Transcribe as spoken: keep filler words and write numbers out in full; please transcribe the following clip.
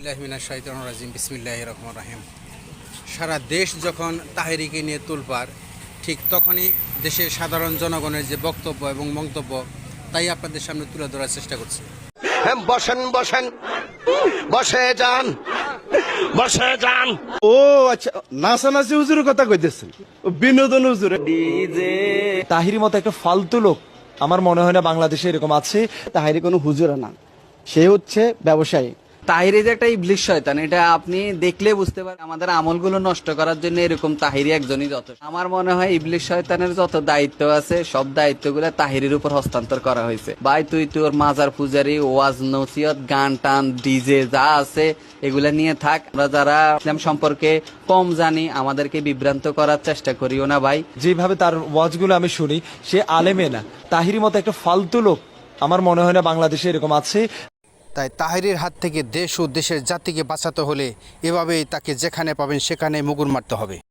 আউযুবিল্লাহি মিনাশ শাইতানির রাজিম বিসমিল্লাহির রহমানির রহিম। সারা দেশ যখন তাহেরিকে নিয়ে তোলপাড়, ঠিক তখনই দেশের সাধারণ জনগণের যে বক্তব্য এবং মন্তব্য তাই আপনাদের সামনে তুলে ধরার চেষ্টা করছি। বসেন বসেন বসে যান বসে যান। ও আচ্ছা, নাচানাচি হুজুরের কথা কইতেছেন, ও বিনোদন হুজুর। তাহিরি মতো একটা ফালতু লোক আমার মনে হয় না বাংলাদেশে এরকম আছে। তাহিরি কোনো হুজুর না, সে হচ্ছে ব্যবসায়ী। তাহিরি যে একটা ইবলিশ শয়তান, এটা আপনি দেখলে বুঝতে পারেন। আমাদের আমলগুলো নষ্ট করার জন্য এরকম তাহিরি একজনই যথেষ্ট। আমার মনে হয় ইবলিশ শয়তানের যত দায়িত্ব আছে সব দায়িত্বগুলো তাহিরির উপর হস্তান্তর করা হয়েছে। ভাই তুই তোর মাজার পূজারি, ওয়াজ নসিহত, গান টান, ডিজে যা আছে এগুলা নিয়ে থাক। আমরা যারা ইসলাম সম্পর্কে কম জানি আমাদেরকে বিভ্রান্ত করার চেষ্টা করিও না ভাই। যেভাবে তার ওয়াজগুলো আমি শুনি, সে আলেমে না, তাহিরি মতো একটা ফালতু লোক আমার মনে হয় না বাংলাদেশে এরকম আছে। তাই তাহেরির হাত থেকে দেশ ও দেশের জাতিকে বাঁচাতে হলে এভাবেই তাকে যেখানে পাবেন সেখানে মুগুর মারতে হবে।